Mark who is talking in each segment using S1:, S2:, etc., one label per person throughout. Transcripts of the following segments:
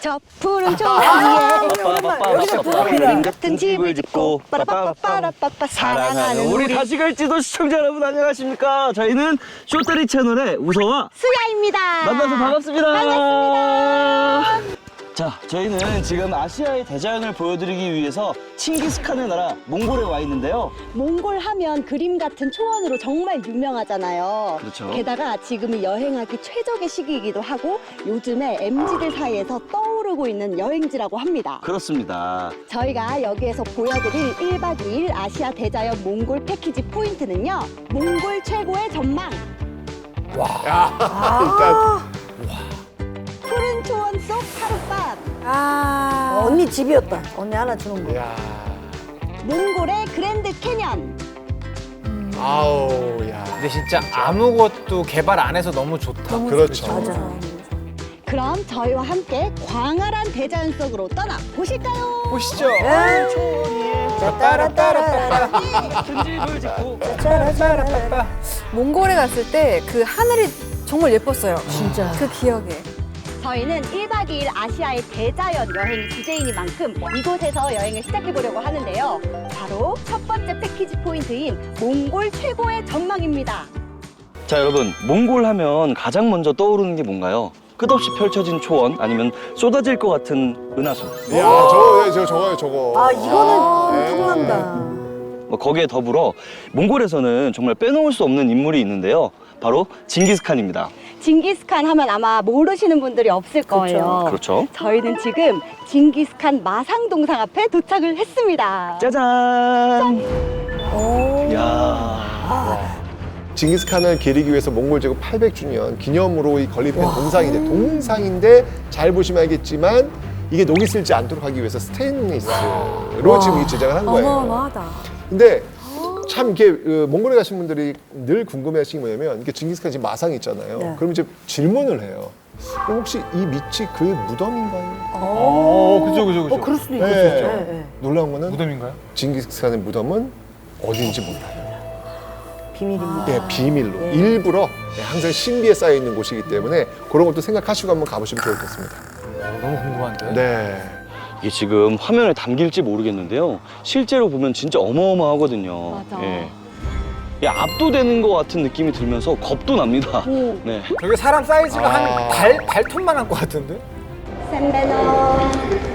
S1: 저 푸른 초원에 그림 같은 집을 짓고 빠라빠빠빠라빠빠 사랑하는
S2: 우리
S1: 우리
S2: 다시 갈지도 시청자 여러분 안녕하십니까? 저희는 쇼다리 채널의 우서와
S1: 수야입니다.
S2: 만나서 반갑습니다.
S1: 반갑습니다.
S2: 자, 저희는 지금 아시아의 대자연을 보여드리기 위해서 칭기스칸의 나라 몽골에 와 있는데요.
S1: 몽골 하면 그림 같은 초원으로 정말 유명하잖아요.
S2: 그렇죠.
S1: 게다가 지금이 여행하기 최적의 시기이기도 하고 요즘에 MZ들 사이에서 떠오르고 있는 여행지라고 합니다.
S2: 그렇습니다.
S1: 저희가 여기에서 보여드릴 1박 2일 아시아 대자연 몽골 패키지 포인트는요. 몽골 최고의 전망.
S3: 일단
S1: 푸른 초원 속 하룻밤.
S4: 언니 집이었다. 언니 하나 주는 거.
S3: 야,
S1: 몽골의 그랜드 캐년.
S3: 아우, 야.
S5: 근데 진짜 아무것도 개발 안 해서 너무 좋다.
S3: 그렇죠.
S4: 맞아.
S1: 그럼 저희와 함께 광활한 대자연 속으로 떠나 보실까요?
S5: 보시죠.
S4: 따라따라따라.
S2: 큰 집을 짓고
S4: 짜라짜라따라.
S6: 몽골에 갔을 때 그 하늘이 정말 예뻤어요.
S4: 진짜.
S6: 그 기억에.
S1: 저희는 1박 2일 아시아의 대자연 여행이 주제이니 만큼 이곳에서 여행을 시작해보려고 하는데요. 바로 첫 번째 패키지 포인트인 몽골 최고의 전망입니다.
S2: 자, 여러분, 몽골 하면 가장 먼저 떠오르는 게 뭔가요? 끝없이 펼쳐진 초원 아니면 쏟아질 것 같은 은하수.
S3: 야, 저거요.
S4: 아, 이거는
S3: 네.
S4: 통한다.
S2: 뭐 거기에 더불어 몽골에서는 정말 빼놓을 수 없는 인물이 있는데요. 바로 징기스칸입니다.
S1: 징기스칸 하면 아마 모르시는 분들이 없을 거예요.
S2: 그렇죠.
S1: 저희는 지금 징기스칸 마상동상 앞에 도착을 했습니다.
S2: 짜잔!
S4: 오.
S2: 야.
S3: 징기스칸을 기리기 위해서 몽골 제국 800주년 기념으로 이 건립한 동상인데 잘 보시면 알겠지만 이게 녹이 슬지 않도록 하기 위해서 스테인리스로 지금 이 제작을 한 거예요.
S6: 어마어마하다.
S3: 근데 참 이게 몽골에 가신 분들이 늘 궁금해하시는 게 뭐냐면 이게 징기스칸 지금 마상이 있잖아요.
S4: 네.
S3: 그럼 이제 질문을 해요. 그럼 혹시 이 밑이 그의 무덤인가요?
S5: 그죠.
S4: 그럴 수도 있고.
S3: 네. 놀라운 거는
S5: 무덤인가요?
S3: 징기스칸의 무덤은 어디인지 몰라요.
S4: 비밀입니다.
S3: 네, 비밀로 일부러 항상 신비에 쌓여 있는 곳이기 때문에 그런 것도 생각하시고 한번 가보시면 좋을 것 같습니다.
S5: 너무 궁금한데.
S3: 네.
S2: 이게 지금 화면에 담길지 모르겠는데요. 실제로 보면 진짜 어마어마하거든요.
S1: 맞아.
S2: 예. 예, 압도되는 것 같은 느낌이 들면서 겁도 납니다.
S1: 오.
S2: 네.
S5: 저게 사람 사이즈가
S3: 아.
S5: 한 발톱만 한 것 같은데?
S1: 샌베노.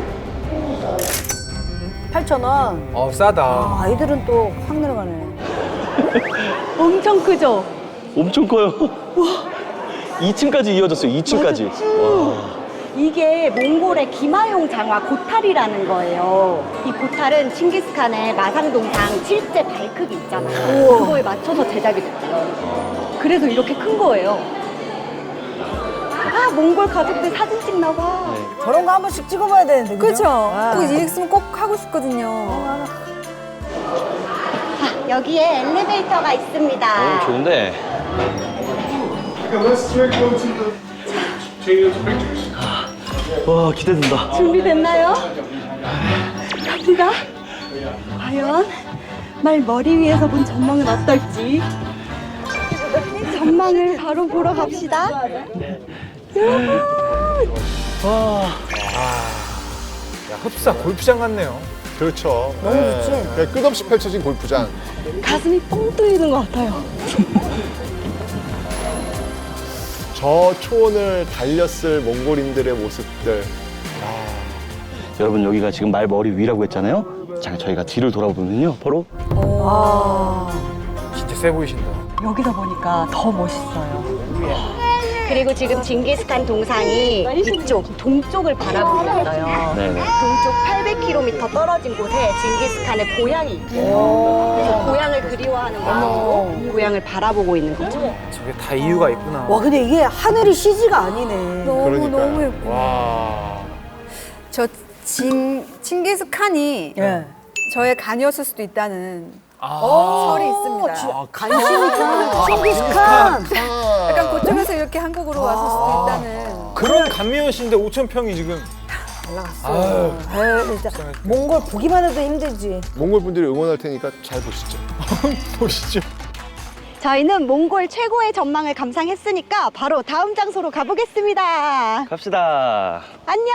S4: 8,000원.
S5: 싸다.
S4: 아, 아이들은 또 확 내려가네.
S1: 엄청 크죠?
S2: 엄청 커요. 와. 2층까지 이어졌어요. 2층까지. 와.
S1: 이게 몽골의 기마용 장화 고탈이라는 거예요. 이 고탈은 칭기스칸의 마상동상 실제 발 크기 있잖아요. 그거에 맞춰서 제작이 됐대요. 그래서 이렇게 큰 거예요. 아, 몽골 가족들 사진 찍나 봐.
S4: 저런 거 한 번씩 찍어봐야 되는데.
S6: 그렇죠.
S4: 아.
S6: 꼭 일 있으면 꼭 하고 싶거든요.
S1: 아, 여기에 엘리베이터가 있습니다.
S2: 좋은데. 와, 기대된다.
S1: 준비됐나요? 갑니다. 과연 말 머리 위에서 본 전망은 어떨지. 전망을 바로 보러 갑시다. 여러분.
S2: 와.
S5: 야, 흡사 골프장 같네요.
S3: 그렇죠.
S4: 너무 좋지?
S3: 그냥 끝없이 펼쳐진 골프장.
S1: 가슴이 뻥 뚫리는 것 같아요.
S3: 저 초원을 달렸을 몽골인들의 모습들.
S2: 여러분, 여기가 지금 말 머리 위라고 했잖아요. 자, 저희가 뒤를 돌아보면요. 바로
S5: 진짜 세 보이신다.
S1: 여기서 보니까 더 멋있어요. 그리고 지금 징기스칸 동상이 이쪽 동쪽을 바라보고 있어요.
S2: 네네.
S1: 동쪽 800km 떨어진 곳에 징기스칸의 고향이 있대요. 그래서 고향을 그리워하는 마음으로 고향을 바라보고 있는 거죠.
S5: 저게 다 이유가 있구나.
S4: 와, 근데 이게 하늘이 CG가 아니네.
S6: 너무 예뻐.
S3: 와.
S6: 저 칭기스칸이
S4: 예.
S6: 저의 간이었을 수도 있다는
S5: 아.
S6: 설이 있습니다.
S4: 간신히칸, 칭기스칸.
S6: 약간 그쪽에서 이렇게 한국으로 왔을 수도 있다는.
S5: 그런 감미연 씨인데 5,000평이 지금.
S4: 올라갔어. 에이, 진짜 몽골 보기만 해도 힘들지.
S3: 몽골 분들이 응원할 테니까 잘 보시죠.
S5: 보시죠.
S1: 저희는 몽골 최고의 전망을 감상했으니까 바로 다음 장소로 가보겠습니다.
S2: 갑시다.
S1: 안녕!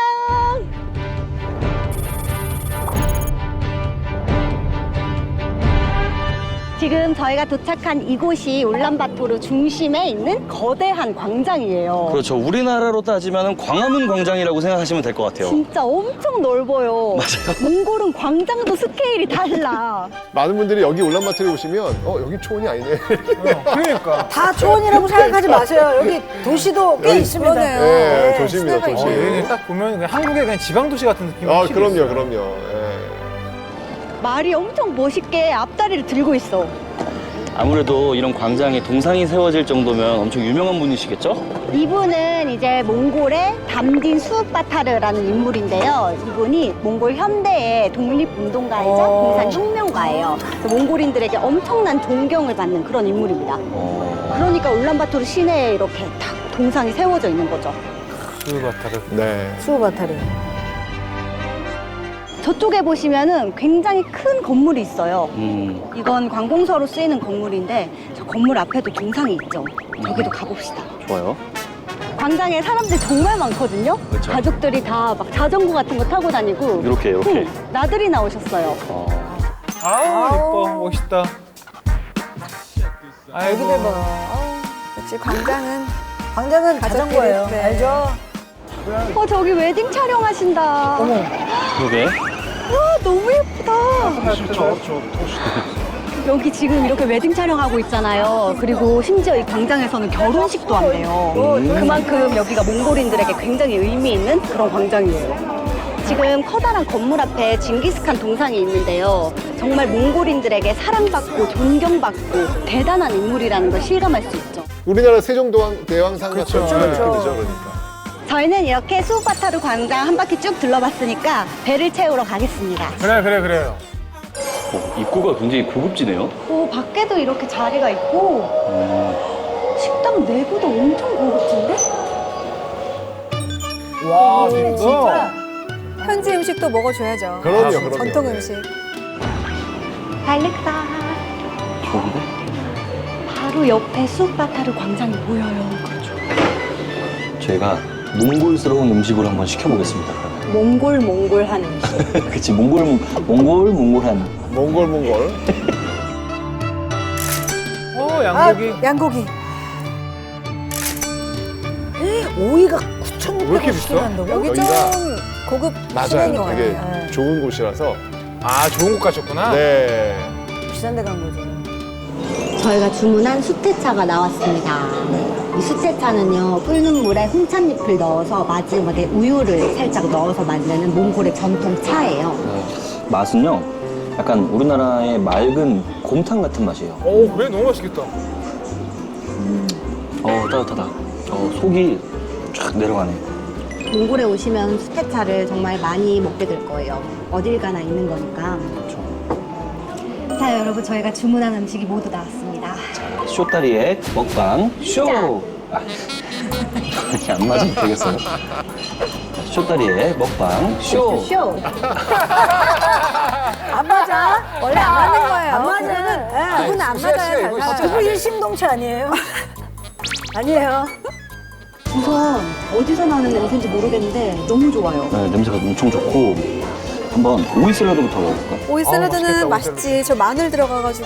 S1: 지금 저희가 도착한 이곳이 울란바토르 중심에 있는 거대한 광장이에요.
S2: 그렇죠. 우리나라로 따지면 광화문 광장이라고 생각하시면 될 것 같아요.
S1: 진짜 엄청 넓어요.
S2: 맞아요.
S1: 몽골은 광장도 스케일이 달라.
S3: 많은 분들이 여기 울란바토르에 오시면 여기 초원이 아니네.
S5: 그러니까.
S4: 다 초원이라고 생각하지 마세요. 여기 도시도 꽤 있습니다.
S6: 그러네요.
S3: 네, 도시입니다,
S6: 시내가
S3: 도시.
S6: 있네요.
S5: 딱 보면 그냥 한국의 그냥 지방 도시 같은 느낌이
S3: 아,
S5: 확실히 있어요.
S3: 그럼요. 예.
S1: 말이 엄청 멋있게 앞다리를 들고 있어.
S2: 아무래도 이런 광장에 동상이 세워질 정도면 엄청 유명한 분이시겠죠?
S1: 이분은 이제 몽골의 담딘 수우파타르라는 인물인데요. 이분이 몽골 현대의 독립운동가이자 공산혁명가예요. 그래서 몽골인들에게 엄청난 존경을 받는 그런 인물입니다. 그러니까 울란바토르 시내에 이렇게 딱 동상이 세워져 있는 거죠.
S5: 수바타르.
S3: 네.
S4: 수우바타르.
S1: 저쪽에 보시면은 굉장히 큰 건물이 있어요. 이건 관공서로 쓰이는 건물인데 저 건물 앞에도 동상이 있죠. 저기도 가봅시다.
S2: 좋아요.
S1: 광장에 사람들 정말 많거든요.
S2: 그렇죠.
S1: 가족들이 다 막 자전거 같은 거 타고 다니고
S2: 이렇게.
S1: 나들이 나오셨어요.
S5: 아우, 예뻐. 멋있다. 아이고.
S4: 여기들 봐.
S6: 역시 광장은
S4: 광장은
S6: 가족끼리,
S4: 자전거예요.
S6: 네.
S4: 알죠?
S1: 저기 웨딩 촬영하신다.
S4: 어머.
S2: 그러게.
S1: 와, 너무 예쁘다. 여기 지금 이렇게 웨딩 촬영하고 있잖아요. 그리고 심지어 이 광장에서는 결혼식도 한대요. 그만큼 여기가 몽골인들에게 굉장히 의미 있는 그런 광장이에요. 지금 커다란 건물 앞에 징기스칸 동상이 있는데요. 정말 몽골인들에게 사랑받고 존경받고 대단한 인물이라는 걸 실감할 수 있죠.
S3: 우리나라 세종대왕상 같은
S5: 그렇죠.
S3: 주변
S4: 그렇죠.
S3: 느낌이죠, 그러니까.
S1: 저희는 이렇게 수우파타르 광장 한 바퀴 쭉 둘러봤으니까 배를 채우러 가겠습니다.
S5: 그래요.
S2: 입구가 굉장히 고급지네요.
S1: 오, 밖에도 이렇게 자리가 있고 식당 내부도 엄청 고급진데?
S5: 와,
S4: 진짜.
S5: 진짜.
S6: 현지 음식도 먹어줘야죠.
S3: 그럼요.
S6: 전통 음식.
S1: 달렉다.
S2: 좋은데?
S1: 바로 옆에 수우파타르 광장이 보여요.
S2: 저희가 몽골스러운 음식으로 한번 시켜보겠습니다. 그러면.
S1: 몽골한 음식.
S2: 그치, 몽골한.
S3: 몽골.
S5: 양고기.
S6: 양고기.
S4: 오이가
S5: 왜
S4: 9,600원
S5: 이렇게 비싸?
S4: 한다고?
S6: 여기 좀
S3: 여기가-
S6: 고급
S3: 맞아요.
S6: 시내인 것
S3: 되게
S6: 같아요.
S3: 좋은 곳이라서.
S5: 아, 좋은 곳 가셨구나.
S3: 네.
S4: 비싼 데 간 거죠.
S1: 저희가 주문한 수태차가 나왔습니다. 이 수태차는요, 끓는 물에 홍찻잎을 넣어서 마지막에 우유를 살짝 넣어서 만드는 몽골의 전통 차예요.
S2: 맛은요, 약간 우리나라의 맑은 곰탕 같은 맛이에요.
S5: 오, 그래? 너무 맛있겠다.
S2: 따뜻하다. 속이 쫙 내려가네.
S1: 몽골에 오시면 수태차를 정말 많이 먹게 될 거예요. 어딜 가나 있는 거니까. 자, 여러분, 저희가 주문한 음식이 모두 나왔습니다.
S2: 쇼다리의 먹방 쇼! 이렇게 안 맞으면 되겠어요. 쇼다리의 먹방 쇼!
S1: 쇼!
S4: 안 맞아?
S6: 원래 안 맞는 거예요.
S4: 안 맞아.
S6: 두 분은 안 맞아요.
S5: 이거
S6: 잘
S5: 진짜.
S4: 두부 일심동체 아니에요? 아니에요.
S1: 우선 어디서 나는 냄새인지 모르겠는데 너무 좋아요.
S2: 네, 냄새가 엄청 좋고 한번 오이 샐러드부터 먹어볼까?
S6: 오이 샐러드는
S5: 맛있겠다, 오이
S6: 맛있지. 저 마늘 들어가가지고.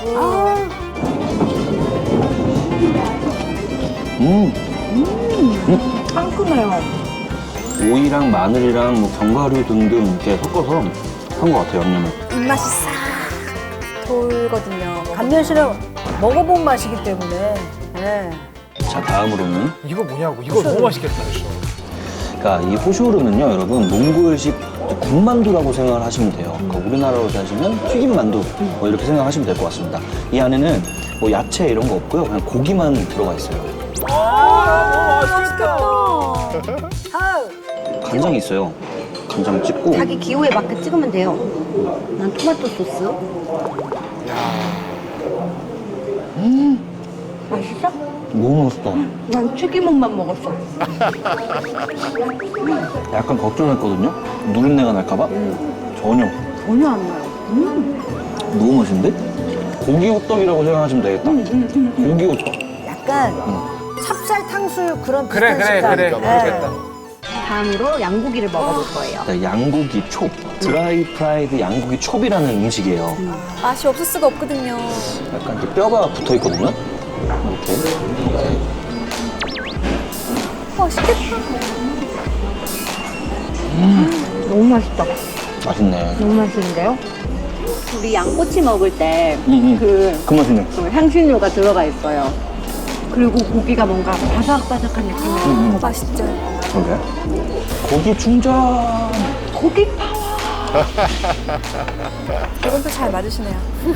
S1: 상큼해요.
S2: 오이랑 마늘이랑 뭐 견과류 등등 이렇게 섞어서 한 것 같아요, 양념을.
S6: 입맛이 싹 돌거든요.
S4: 감면실은 먹어본 맛이기 때문에. 네.
S2: 자, 다음으로는
S5: 이거 뭐냐고. 이거 너무 맛있겠다.
S2: 그러니까 이 호쇼르는요, 여러분 몽골식 군만두라고 생각을 하시면 돼요. 그러니까 우리나라로 따지면 튀김만두 뭐 이렇게 생각하시면 될 것 같습니다. 이 안에는 뭐 야채 이런 거 없고요, 그냥 고기만 들어가 있어요.
S6: 맛있겠다.
S4: 아우.
S2: 간장이 있어요. 간장 찍고.
S1: 자기 기호에 맞게 찍으면 돼요. 난 토마토 소스. 맛있어?
S2: 너무 맛있다.
S1: 난 튀김옷만 먹었어.
S2: 약간 걱정했거든요. 누린내가 날까봐. 전혀.
S1: 전혀 안 나요.
S2: 너무 맛있는데? 고기 호떡이라고 생각하시면 되겠다. 고기 호떡.
S4: 약간 찹쌀 탕수육 그런
S5: 그래,
S4: 비슷한
S5: 그래,
S4: 식감.
S5: 그래.
S4: 네.
S5: 모르겠다.
S1: 다음으로 양고기를 먹어볼 거예요.
S2: 네, 양고기 촉. 드라이 프라이드 양고기 촉이라는 음식이에요.
S6: 맛이 없을 수가 없거든요.
S2: 약간 이렇게 뼈가 붙어 있거든요. 이렇게.
S6: 맛있겠다.
S1: 너무 맛있다.
S2: 맛있네.
S1: 너무 맛있는데요? 우리 양꼬치 먹을 때
S2: 그 맛이네.
S1: 그 향신료가 들어가 있어요. 그리고 고기가 뭔가 바삭바삭한 느낌이에요.
S6: 맛있죠.
S2: 그러게. 고기 충전.
S1: 고기 파워.
S6: 이건 또 잘 맞으시네요.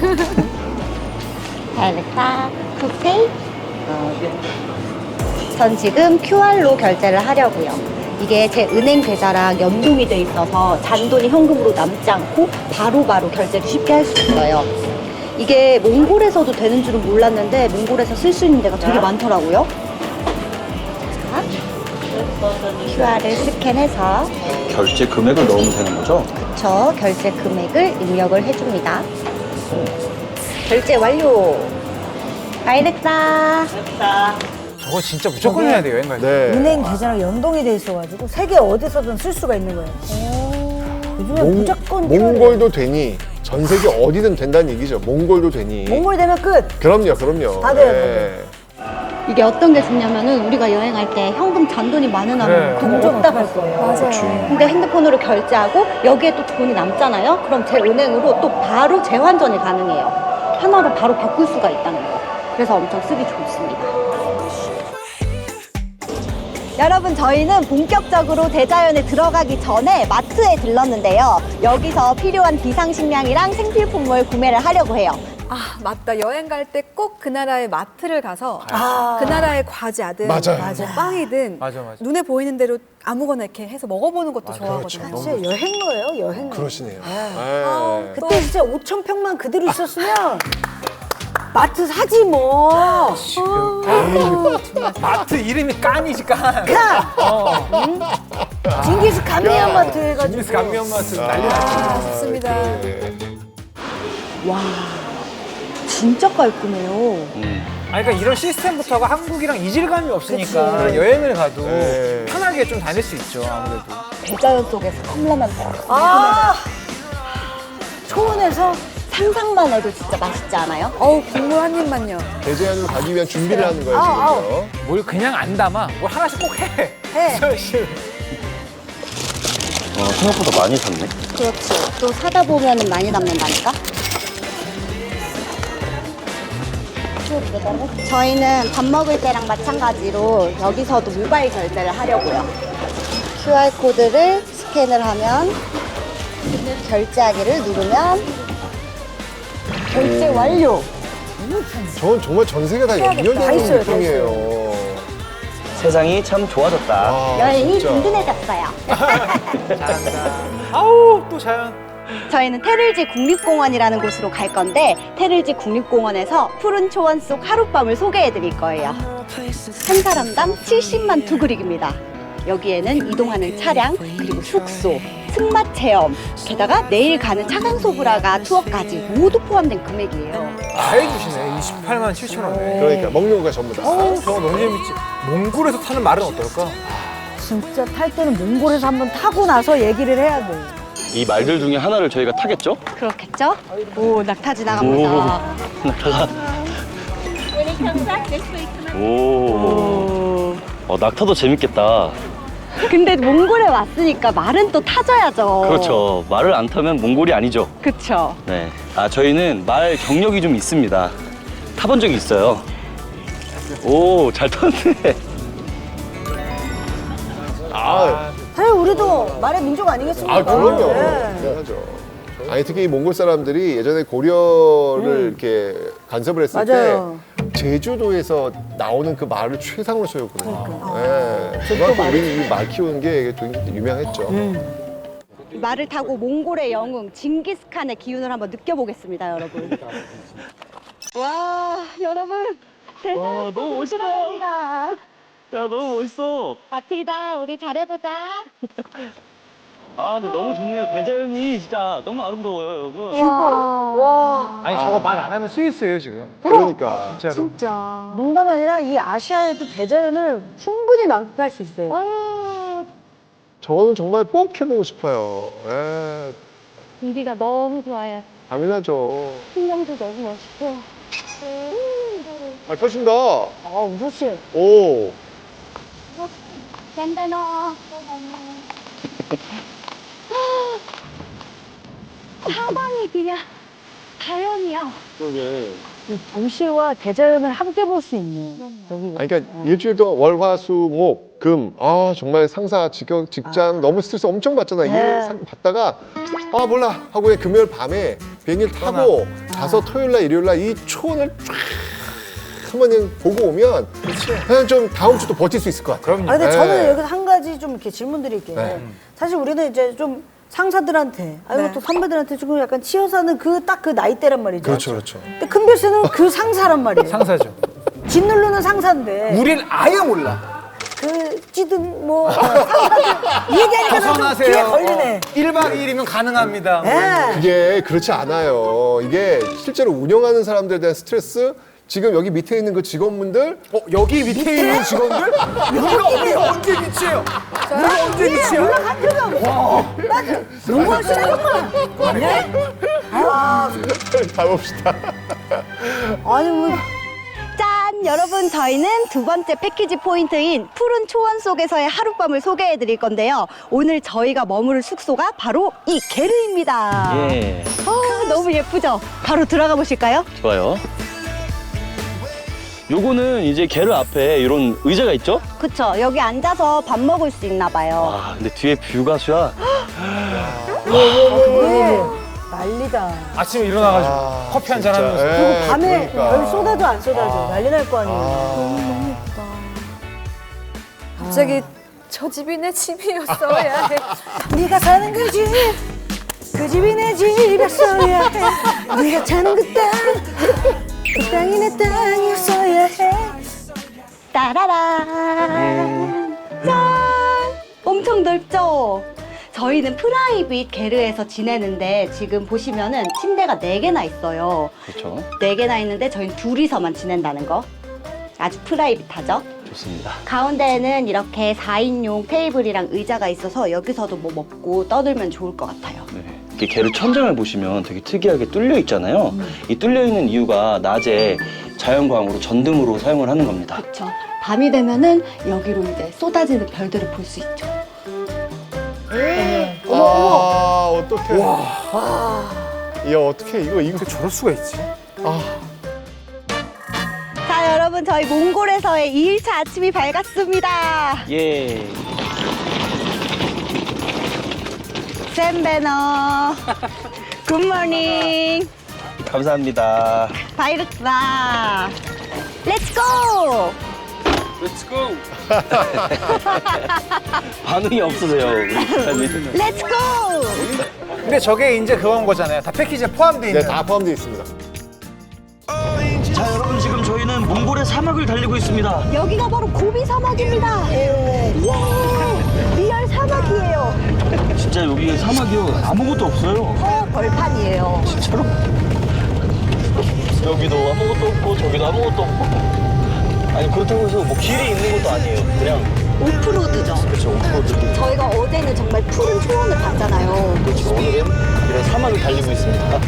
S1: 잘됐다. 굿페이. 전 지금 QR로 결제를 하려고요. 이게 제 은행 계좌랑 연동이 돼 있어서 잔돈이 현금으로 남지 않고 바로바로 결제를 쉽게 할 수 있어요. 이게 몽골에서도 되는 줄은 몰랐는데 몽골에서 쓸 수 있는 데가 되게 많더라고요. 자, QR을 스캔해서
S2: 결제 금액을 넣으면 되는 거죠?
S1: 저 결제 금액을 입력을 해줍니다. 결제 완료. 알렉사.
S5: 저거 진짜 무조건 해야 돼, 여행 갈 때.
S3: 네.
S4: 은행 계좌랑 연동이 돼 있어가지고 세계 어디서든 쓸 수가 있는 거예요. 요즘에 무조건
S3: 몽골도 되니 전 세계 어디든 된다는 얘기죠. 몽골도 되니.
S4: 몽골 되면 끝.
S3: 그럼요, 그럼요.
S4: 다 돼요,
S1: 이게 어떤 게 좋냐면은 우리가 여행할 때 현금 잔돈이 많으면
S5: 그래.
S1: 그거 없답할 거예요.
S6: 맞아요.
S1: 근데 핸드폰으로 결제하고 여기에 또 돈이 남잖아요. 그럼 제 은행으로 또 바로 재환전이 가능해요. 하나로 바로 바꿀 수가 있다는 거. 그래서 엄청 쓰기 좋습니다. 여러분, 저희는 본격적으로 대자연에 들어가기 전에 마트에 들렀는데요. 여기서 필요한 비상식량이랑 생필품을 구매를 하려고 해요.
S6: 아, 맞다. 여행 갈 때 꼭 그 나라의 마트를 가서
S4: 아.
S6: 그 나라의 과자든
S3: 맞아요.
S6: 뭐 빵이든
S5: 맞아, 맞아.
S6: 눈에 보이는 대로 아무거나 이렇게 해서 먹어보는 것도 좋아하거든요.
S3: 그렇죠.
S4: 진짜 여행로예요, 여행로.
S3: 그러시네요.
S6: 아우,
S3: 네.
S4: 그때 진짜 5천 평만 그대로 있었으면 마트 사지 뭐.
S5: 마트 이름이 깐이지, 깐.
S4: 징기스 감미한 마트 해가지고.
S5: 징기스 감미연 마트 난리 났지.
S6: 아, 좋습니다.
S3: 네.
S1: 와, 진짜 깔끔해요.
S5: 아니, 그러니까 이런 시스템부터가 한국이랑 이질감이 없으니까
S4: 그치.
S5: 여행을 가도
S3: 네.
S5: 편하게 좀 다닐 수 있죠, 아무래도.
S1: 대자연 속에서 컵라면
S4: 아, 초원에서
S1: 상상만 해도 진짜 맛있지 않아요?
S6: 어우, 국물 한 입만요.
S3: 대제안으로 가기 위한 준비를 하는 거예요,
S4: 아우,
S3: 지금요.
S5: 뭘 그냥 안 담아. 뭘 하나씩 꼭 해.
S4: 해.
S5: 사실.
S2: 생각보다 많이 샀네.
S1: 그렇지. 또 사다 보면은 많이 남는다니까? 저희는 밥 먹을 때랑 마찬가지로 여기서도 모바일 결제를 하려고요. QR코드를 스캔을 하면 결제하기를 누르면 결제 완료!
S3: 저는 정말 전 세계 다
S4: 다
S3: 연결되는
S4: 있어요,
S3: 느낌이에요.
S2: 세상이 참 좋아졌다.
S3: 아,
S1: 여행이
S3: 진짜.
S1: 든든해졌어요.
S5: 아우, 또 자연.
S1: 저희는 테를지 국립공원이라는 곳으로 갈 건데 테를지 국립공원에서 푸른 초원 속 하룻밤을 소개해 드릴 거예요. 한 사람당 70만 투그릭입니다. 여기에는 이동하는 차량, 그리고 숙소, 승마 체험, 게다가 내일 가는 차강소브라가 투어까지 모두 포함된 금액이에요.
S5: 다 해주시네. 28만 7천 원에.
S3: 그러니까 먹는 거가 전부 다.
S5: 저거 너무 재밌지. 몽골에서 타는 말은 어떨까?
S4: 진짜 탈 때는 몽골에서 한번 타고 나서 얘기를 해야 돼.
S2: 이 말들 중에 하나를 저희가 타겠죠?
S1: 그렇겠죠? 오, 낙타 지나갑니다.
S2: 낙타가. 오. 낙타도 재밌겠다.
S1: 근데 몽골에 왔으니까 말은 또 타줘야죠.
S2: 그렇죠. 말을 안 타면 몽골이 아니죠.
S1: 그쵸.
S2: 네. 저희는 말 경력이 좀 있습니다. 타본 적이 있어요. 오, 잘 탔네.
S4: 사실 우리도 말의 민족 아니겠습니까?
S3: 아, 그럼요.
S4: 네.
S3: 당연하죠. 아니, 특히 이 몽골 사람들이 예전에 고려를 이렇게 간섭을 했을
S4: 맞아요.
S3: 때 제주도에서 나오는 그 말을 최상으로 쓰였거든요. 네. 그만큼 우리는 이 말 키우는 게 굉장히 유명했죠.
S1: 말을 타고 몽골의 영웅 징기스칸의 기운을 한번 느껴보겠습니다, 여러분. 와, 여러분 대단한
S2: 너무 멋있다.
S1: 사람이다.
S2: 야, 너무 멋있어.
S1: 바티다, 우리 잘해보자.
S2: 아, 근데 너무 좋네요. 대자연이 진짜 너무 아름다워요, 여러분.
S5: 아니 저거 말 안 하면 스위스예요 지금.
S3: 그러니까.
S5: 진짜로.
S4: 농담 아니라 이 아시아에도 대자연을 충분히 만끽할 수 있어요.
S3: 저는 정말 꼭 해보고 싶어요. 예,
S1: 공기가 너무 좋아요.
S3: 당연하죠.
S1: 풍경도 너무 멋있고.
S3: 아, 펴신다.
S4: 무슨
S3: 오.
S1: 샌드너. 사방이 그냥 자연이야.
S3: 그러게.
S4: 도시와 대자연을 함께 볼 수 있는 여기.
S3: 아니, 그러니까 일주일 동안 월, 화, 수, 목, 금. 아, 정말 상사, 직장 너무 스트레스 엄청 받잖아. 일 받다가 아, 몰라 하고 그냥 금요일 밤에 비행기를 타고 가서 토요일 날, 일요일 날 이 초원을 쫙 한번 그냥 보고 오면 그냥 좀 다음 주도 버틸 수 있을 것 같아요.
S5: 그럼요.
S4: 아, 근데
S3: 네.
S4: 저는 여기서 한 가지 좀 이렇게 질문 드릴게요.
S3: 네.
S4: 사실 우리는 이제 좀 상사들한테, 아니고
S6: 네.
S4: 또 선배들한테 조금 약간 치여 사는 그 딱 그 나이대란 말이죠.
S3: 그렇죠.
S4: 근데 큰별 씨는 그 상사란 말이에요.
S5: 상사죠.
S4: 짓누르는 상사인데.
S5: 우린 아예 몰라.
S4: 그 찌든 뭐 상사들 얘기하니까 좀 귀에
S5: 벗어나세요.
S4: 걸리네.
S5: 1박 2일이면 가능합니다.
S4: 예.
S3: 이게 그렇지 않아요. 이게 실제로 운영하는 사람들에 대한 스트레스 지금 여기 밑에 있는 그 직원분들
S5: 여기 밑에 있는 직원들? 우리가 언제 미치예요? 우리가 언제 미치야?
S4: 연락한 적이 없어. 맞아. 농구할 수 있구나. 네?
S3: 가봅시다.
S4: 아니 뭐
S1: 짠! 여러분, 저희는 두 번째 패키지 포인트인 푸른 초원 속에서의 하룻밤을 소개해 드릴 건데요. 오늘 저희가 머무를 숙소가 바로 이 게르입니다.
S2: 예,
S1: 너무 예쁘죠? 바로 들어가 보실까요?
S2: 좋아요. 요거는 이제 게르 앞에 이런 의자가 있죠?
S1: 그쵸. 여기 앉아서 밥 먹을 수 있나 봐요.
S2: 와, 근데 뒤에 뷰가 수야.
S4: 난리다.
S5: 아침에 일어나가지고 커피 한잔 하면서.
S4: 그리고 밤에
S3: 그러니까.
S4: 여기 쏟아져 안 쏟아져 난리 날 거 아니에요.
S6: 갑자기 저 집이 내 집이었어야 해.
S4: 네가 사는 그 집, 그 집이 내 집이었어야 해. 네가 사는 그 땅, 그 땅이 내 땅이었어야 해.
S1: 따라란. 짠! 엄청 넓죠? 저희는 프라이빗 게르에서 지내는데 지금 보시면은 침대가 4개나 있어요.
S2: 그렇죠.
S1: 4개나 있는데 저희는 둘이서만 지낸다는 거. 아주 프라이빗하죠?
S2: 좋습니다.
S1: 가운데에는 이렇게 4인용 테이블이랑 의자가 있어서 여기서도 뭐 먹고 떠들면 좋을 것 같아요.
S2: 네. 이렇게 게르 천장을 보시면 되게 특이하게 뚫려 있잖아요. 이 뚫려 있는 이유가 낮에 자연광으로 전등으로 사용을 하는 겁니다.
S1: 그렇죠. 밤이 되면은 여기로 이제 쏟아지는 별들을 볼 수 있죠.
S3: 아, 어떡해. 야, 어떡해. 이거
S5: 저럴 수가 있지.
S1: 자, 여러분, 저희 몽골에서의 2일차 아침이 밝았습니다.
S2: 예.
S1: 샘베너. 굿모닝.
S2: 감사합니다.
S1: 바이르크라. 렛츠고!
S2: 반응이 없으세요, 우리 기사님.
S1: 렛츠고!
S5: 근데 저게 이제 그런 거잖아요. 다 패키지에 포함되어 있는.
S3: 네, 다 포함되어 있습니다.
S2: 자, 여러분 지금 저희는 몽골의 사막을 달리고 있습니다.
S1: 여기가 바로 고비 사막입니다. 와, 리얼 사막이에요.
S2: 진짜 여기 사막이요. 아무것도 없어요.
S1: 벌판이에요.
S2: 진짜로. 여기도 아무것도 없고 저기도 아무것도 없고. 아니 그렇다고 해서 뭐 길이 있는 것도 아니에요. 그냥
S1: 오프로드죠.
S2: 그렇죠. 오프로드.
S1: 저희가 어제는 정말 푸른 초원을 봤잖아요.
S2: 그렇죠. 오늘은 이런 사막을 달리고 있습니다.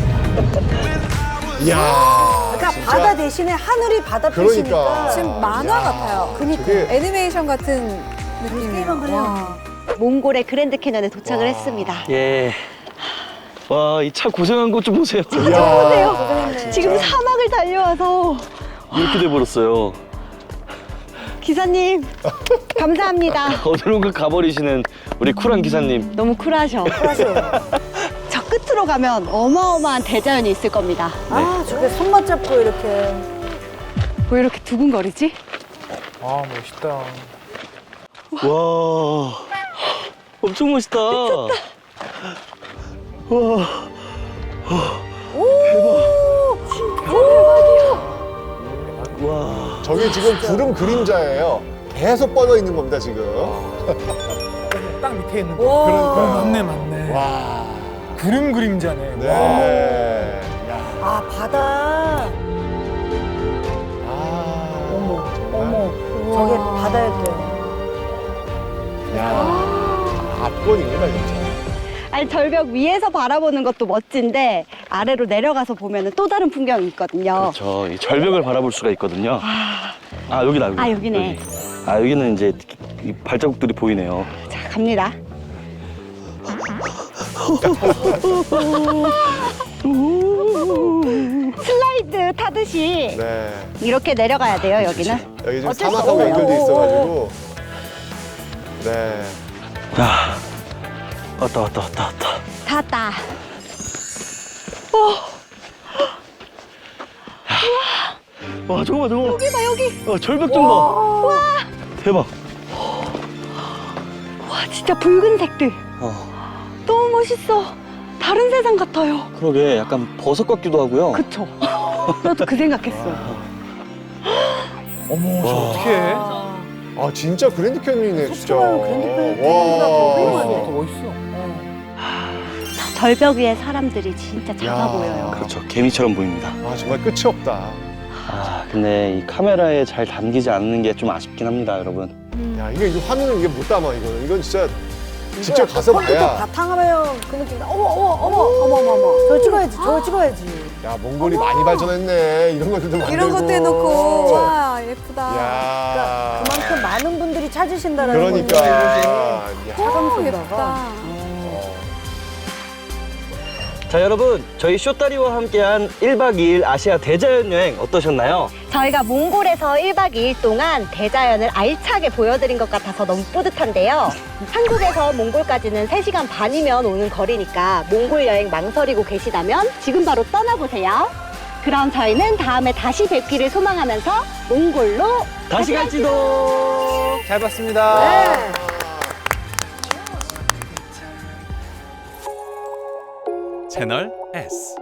S3: 이야.
S4: 그러니까 바다 대신에 하늘이 바다
S3: 그러니까.
S4: 표시니까
S6: 지금 만화 같아요.
S4: 그니까
S3: 저게
S6: 애니메이션 같은 느낌이에요. 와.
S1: 몽골의 그랜드 캐년에 도착을 했습니다.
S2: 예. 와, 이 차 고생한 것 좀 보세요.
S1: 보세요. 지금 사막을 달려와서
S2: 이렇게 돼버렸어요.
S1: 기사님 감사합니다.
S2: 어디론가 가버리시는 우리 쿨한 기사님.
S1: 너무 쿨하셔. 저 끝으로 가면 어마어마한 대자연이 있을 겁니다.
S4: 아 저게 손만 잡고 이렇게
S1: 왜 이렇게 두근거리지?
S5: 아 멋있다.
S2: 와, 엄청 멋있다. 와, 와.
S3: 저게 지금 구름 그림자예요. 계속 뻗어 있는 겁니다, 지금.
S5: 땅 밑에 밑에 있는 거.
S4: 와.
S3: 그러니까요.
S5: 맞네, 맞네.
S3: 와.
S5: 구름 그림자네.
S3: 네.
S5: 와.
S3: 야.
S4: 아, 바다.
S3: 아.
S4: 어머,
S3: 정말.
S4: 어머. 저게 바다였대요.
S3: 야. 압권입니다, 진짜.
S1: 아니 절벽 위에서 바라보는 것도 멋진데 아래로 내려가서 보면 또 다른 풍경이 있거든요.
S2: 그렇죠. 이 절벽을 바라볼 수가 있거든요. 아 여기다 여기.
S1: 아, 여기네.
S2: 여기. 아 여기는 이제 이 발자국들이 보이네요.
S1: 자, 갑니다. 슬라이드 타듯이
S3: 네.
S1: 이렇게 내려가야 돼요, 여기는.
S3: 여기 지금
S1: 어쩔 수
S3: 사막하고
S1: 없어요.
S3: 연결돼 있어가지고. 네.
S2: 야 왔다 왔다 왔다 왔다.
S1: 다 왔다.
S2: 와 저거 봐 저거.
S1: 여기 봐, 여기.
S2: 절벽 좀 봐. 와 대박.
S1: 와, 진짜 붉은색들. 너무 멋있어. 다른 세상 같아요.
S2: 그러게 약간 버섯 같기도 하고요.
S1: 그쵸? 나도 그 생각했어.
S5: 어머, 저 어떻게 해?
S3: 아, 진짜 그랜드 캐니언이네, 진짜.
S4: 그랜드 캐니언보다 더 훌륭하네.
S5: 더 멋있어.
S1: 저 절벽 위에 사람들이 진짜 작아
S3: 야.
S1: 보여요.
S2: 그렇죠. 개미처럼 보입니다.
S3: 아, 정말 끝이 없다.
S2: 아 근데 이 카메라에 잘 담기지 않는 게 좀 아쉽긴 합니다, 여러분.
S3: 야, 이게 화면을 이게 못 담아, 이거는. 이건 진짜 직접 가서
S4: 컴퓨터
S3: 봐야.
S4: 바탕화면 그 느낌이다. 어머. 저거 찍어야지, 저거 찍어야지.
S3: 야, 몽골이 많이 발전했네. 이런 것들도 만들고.
S6: 이런 것도 해놓고 와 예쁘다.
S3: 야.
S4: 그만큼 많은 분들이 찾으신다라는
S3: 그러니까.
S4: 거죠.
S3: 야.
S6: 오, 예쁘다.
S2: 자 여러분 저희 쇼다리와 함께한 1박 2일 아시아 대자연 여행 어떠셨나요?
S1: 저희가 몽골에서 1박 2일 동안 대자연을 알차게 보여드린 것 같아서 너무 뿌듯한데요. 한국에서 몽골까지는 3시간 반이면 오는 거리니까 몽골 여행 망설이고 계시다면 지금 바로 떠나보세요. 그럼 저희는 다음에 다시 뵙기를 소망하면서 몽골로
S2: 다시 갈지도.
S5: 잘 봤습니다.
S7: 채널 S